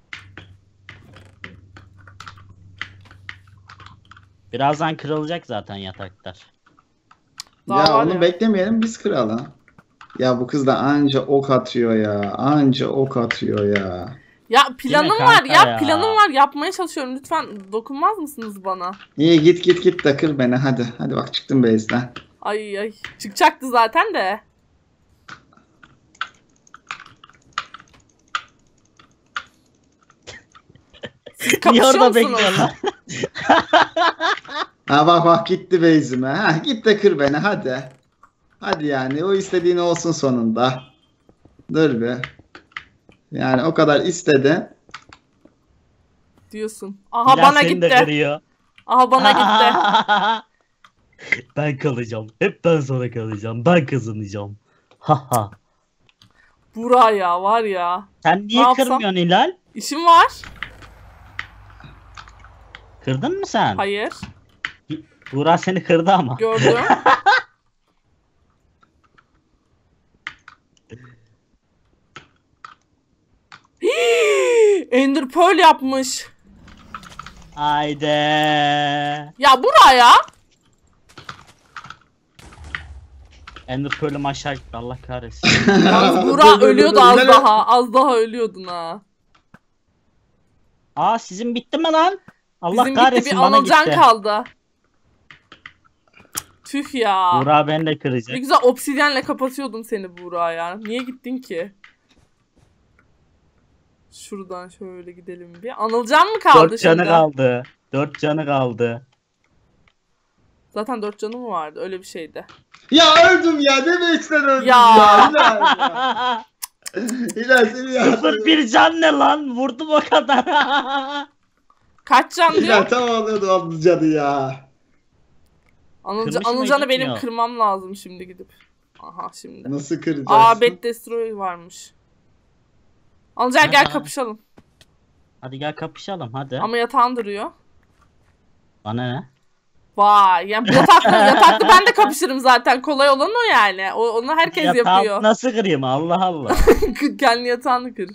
Speaker 4: Birazdan kırılacak zaten yataklar.
Speaker 1: Daha
Speaker 3: Ya
Speaker 1: var
Speaker 3: onu
Speaker 1: ya.
Speaker 3: beklemeyelim biz kıralım. Ya bu kız da anca ok atıyor ya. Anca ok atıyor ya.
Speaker 1: Ya planım
Speaker 4: Yine
Speaker 1: var
Speaker 4: kanka
Speaker 1: ya.
Speaker 4: ya.
Speaker 1: Planım var. Yapmaya çalışıyorum. Lütfen dokunmaz mısınız bana?
Speaker 3: İyi git de kır beni hadi. Hadi bak çıktım base'den.
Speaker 1: Ay. Çıkacaktı zaten de. Siz
Speaker 4: Niye
Speaker 1: kapışıyor
Speaker 4: orada
Speaker 1: musunuz?
Speaker 4: bekliyorsun lan?
Speaker 3: Ha bak gitti base'ime. Ha git de kır beni hadi. Hadi yani o istediğin olsun sonunda. Dur bir. Yani o kadar istedin.
Speaker 1: Diyorsun. Aha
Speaker 4: Hilal
Speaker 1: bana
Speaker 4: seni de
Speaker 1: gitti.
Speaker 4: kırıyor.
Speaker 1: Aha bana gitti.
Speaker 4: Ben kalacağım. Hep ben sonra kalacağım. Ben kazanacağım. Haha.
Speaker 1: Burak ya var ya.
Speaker 4: Sen niye
Speaker 1: Ne yapsam?
Speaker 4: kırmıyorsun Hilal?
Speaker 1: İşim var.
Speaker 4: Kırdın mı sen?
Speaker 1: Hayır.
Speaker 4: Buğra seni kırdı ama.
Speaker 1: Gördüm. Ender Pearl yapmış.
Speaker 4: Haydi.
Speaker 1: Ya Burak ya.
Speaker 4: Ender Pearl'üm aşağı gitti. Allah kahretsin.
Speaker 1: Yalnız
Speaker 3: Dur,
Speaker 1: Burak
Speaker 3: dur,
Speaker 1: ölüyordu
Speaker 3: dur,
Speaker 1: az
Speaker 3: Hilal-
Speaker 1: daha. Az daha ölüyordun ha.
Speaker 4: Aa sizin bitti mi lan? Allah
Speaker 1: Bizim
Speaker 4: kahretsin
Speaker 1: gitti bir
Speaker 4: bana
Speaker 1: Anılcan
Speaker 4: gitti.
Speaker 1: kaldı. Tüh ya.
Speaker 4: Buğra beni de
Speaker 1: Ne
Speaker 4: kıracak.
Speaker 1: güzel obsidyenle kapatıyordum seni Burak ya. Niye gittin ki? Şuradan şöyle gidelim bir. Anılcan mı kaldı
Speaker 4: 4 canı
Speaker 1: şimdi?
Speaker 4: kaldı. 4 canı kaldı.
Speaker 1: Zaten 4 canı mı vardı? Öyle bir şeydi.
Speaker 3: Ya öldüm ya. Demeçten öldüm
Speaker 1: Ya.
Speaker 3: ya. Hilal ya. Hilal seni ya.
Speaker 4: 0-1 can ne lan? Vurdum o kadar.
Speaker 1: Kaç can
Speaker 3: Hilal
Speaker 1: diyor?
Speaker 3: tam alıyordu onun canı ya.
Speaker 4: Kırmış mı,
Speaker 1: Anılcan'ı benim
Speaker 4: gitmiyor?
Speaker 1: kırmam lazım şimdi gidip. Aha şimdi.
Speaker 3: Nasıl kıracağız?
Speaker 1: Aa Bet Destroy varmış. Anılcan gel
Speaker 4: Aha.
Speaker 1: kapışalım.
Speaker 4: Hadi gel kapışalım hadi.
Speaker 1: Ama yatağın duruyor.
Speaker 4: Bana ne?
Speaker 1: Vay yani yataklı ben de kapışırım zaten. Kolay olan o yani. Onu herkes
Speaker 4: Yatağı
Speaker 1: yapıyor.
Speaker 4: nasıl kırayım Allah Allah.
Speaker 1: Kendi yatağını kır.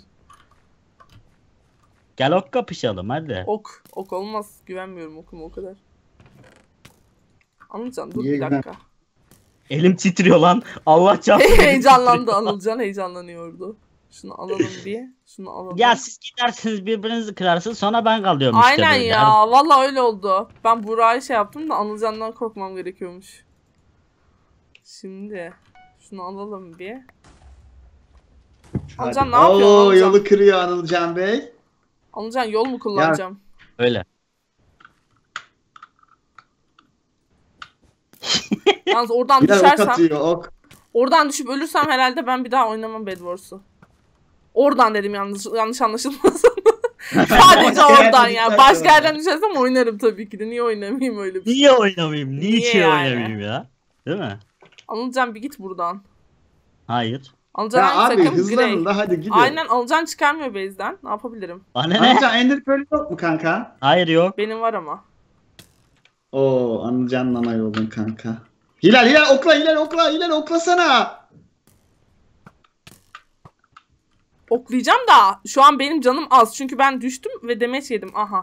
Speaker 4: Gel ok kapışalım hadi.
Speaker 1: Ok olmaz. Güvenmiyorum okuma o kadar. Anılcan dur
Speaker 3: Niye
Speaker 1: bir dakika.
Speaker 4: Elim titriyor lan. Allah çarpsın. elim
Speaker 1: Heyecanlandı
Speaker 4: titriyor.
Speaker 1: Anılcan heyecanlanıyordu. Şunu alalım bir. Şunu alalım.
Speaker 4: Ya siz gidersiniz birbirinizi kırarsınız sonra ben kalıyorum işte
Speaker 1: Aynen
Speaker 4: böyle.
Speaker 1: ya. Vallahi öyle oldu. Ben Burak'ı şey yaptım da Anılcan'dan korkmam gerekiyormuş. Şimdi şunu alalım bir.
Speaker 3: Hadi.
Speaker 1: Anılcan ne yapıyorsun
Speaker 3: Oo,
Speaker 1: Anılcan?
Speaker 3: yolu kırıyor Anılcan Bey.
Speaker 1: Anılcan yol mu kullanacağım?
Speaker 4: Öyle.
Speaker 1: Yalnız oradan
Speaker 3: Bir de ok
Speaker 1: düşersem,
Speaker 3: atıyor ok.
Speaker 1: oradan düşüp ölürsem herhalde ben bir daha oynamam Bed Wars'u. Oradan dedim yanlış anlaşılmasın. Sadece
Speaker 3: Başka
Speaker 1: oradan
Speaker 3: yerden
Speaker 1: ya.
Speaker 3: düşersen
Speaker 1: Başka yerden
Speaker 3: oradan.
Speaker 1: düşersem oynarım tabii ki de. Niye oynamayayım öyle bir şey?
Speaker 4: Niye oynamayayım?
Speaker 1: Niye
Speaker 4: Niçin
Speaker 1: yani?
Speaker 4: oynamayayım ya? Değil mi?
Speaker 1: Anılcan bir git buradan.
Speaker 4: Hayır.
Speaker 1: Anılcan
Speaker 3: Ya
Speaker 1: hangi
Speaker 3: abi
Speaker 1: takım?
Speaker 3: hızlanın
Speaker 1: Grey.
Speaker 3: da hadi gidin.
Speaker 1: Aynen Anılcan çıkarmıyor base'den. Ne yapabilirim?
Speaker 4: Bana ne?
Speaker 3: Anılcan Ender Pearl yok mu kanka?
Speaker 4: Hayır yok.
Speaker 1: Benim var ama.
Speaker 3: Oo Anılcan nana yolun kanka. Hilal okla oklasana.
Speaker 1: Oklayacağım da şu an benim canım az. Çünkü ben düştüm ve demeç yedim. Aha.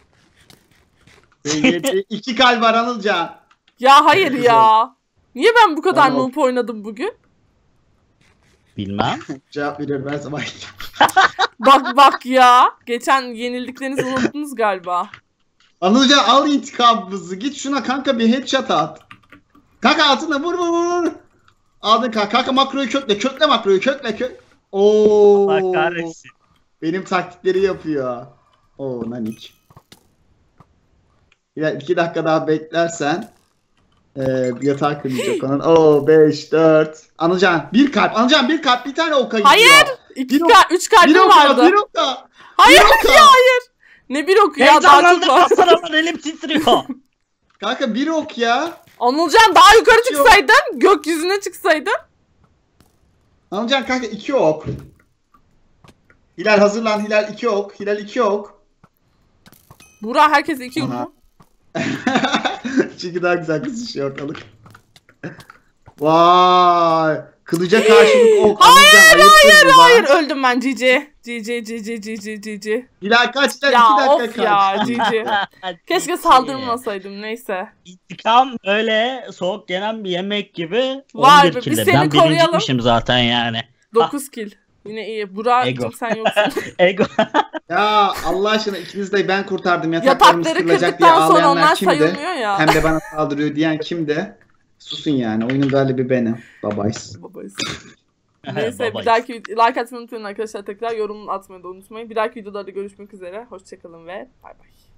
Speaker 3: 2 kalp var Anılcan.
Speaker 1: Ya hayır ya. Niye ben bu kadar
Speaker 3: Tamam.
Speaker 1: noob oynadım bugün?
Speaker 4: Bilmem.
Speaker 3: Cevap veriyorum ben sabah.
Speaker 1: Bak ya. Geçen yenildiklerinizi unuttunuz galiba.
Speaker 3: Anılcan al intikamımızı. Git şuna kanka bir headshot at. Kanka altına vur. Aldın kanka makroyu kökle makroyu kökle. Oo.
Speaker 4: Allah kahretsin.
Speaker 3: Benim taktikleri yapıyor. Oo nanik. Ya 2 dakika daha beklersen yatağa kırılacak onun. Oo 5 4. Anılcan bir kalp. Anılcan bir kalp bir tane oka gidiyor.
Speaker 1: Hayır.
Speaker 3: Bir ok-
Speaker 1: 3 kalbim
Speaker 3: Bir oka
Speaker 1: vardı.
Speaker 3: bir oka.
Speaker 1: Hayır
Speaker 3: oka.
Speaker 1: ya hayır. Ne bir oku ya daha çok
Speaker 4: Heyecanlandım
Speaker 1: var.
Speaker 4: aslanım elim titriyor.
Speaker 3: Kanka bir ok ya.
Speaker 1: Anılcan daha yukarı
Speaker 3: Yok.
Speaker 1: çıksaydın. Gökyüzüne çıksaydın.
Speaker 3: Anılcan kanka 2 ok. Hilal hazırlan Hilal 2 ok. Hilal 2 ok.
Speaker 1: Burak herkes 2
Speaker 3: Aha.
Speaker 1: yumru.
Speaker 3: Çünkü daha güzel kızışıyor ortalık. Vay. Kılıca karşılık ok. Anılcan ayıpsın bu lan.
Speaker 1: Hayır öldüm ben GG. GG.
Speaker 3: Hilal kaç lan?
Speaker 1: Ya
Speaker 3: 2
Speaker 1: of
Speaker 3: dakika
Speaker 1: ya
Speaker 3: kaç.
Speaker 1: GG. Keşke saldırmasaydım neyse.
Speaker 4: İntikam böyle soğuk yenen bir yemek gibi.
Speaker 1: Vay
Speaker 4: 11
Speaker 1: be, biz
Speaker 4: kille.
Speaker 1: seni
Speaker 4: Ben
Speaker 1: koruyalım.
Speaker 4: birinciymişim zaten yani.
Speaker 1: 9 kill. Yine iyi. Burak'cığım
Speaker 4: Ego.
Speaker 1: sen yoksun.
Speaker 4: Ego.
Speaker 3: Ya Allah aşkına ikiniz de ben kurtardım. Yataklarımız
Speaker 1: Yatakları
Speaker 3: kırılacak diye
Speaker 1: kırdıktan sonra
Speaker 3: ağlayanlar
Speaker 1: onlar
Speaker 3: kimdi?
Speaker 1: sayılmıyor ya.
Speaker 3: Hem de bana saldırıyor diyen kimdi? Susun yani. Oyunun galibi benim. Babayız.
Speaker 1: Babayız. Neyse
Speaker 4: Babayız.
Speaker 1: bir dahaki like atmayı unutmayın arkadaşlar. Tekrar yorum atmayı da unutmayın. Bir dahaki videolarda görüşmek üzere. Hoşçakalın ve bay bay.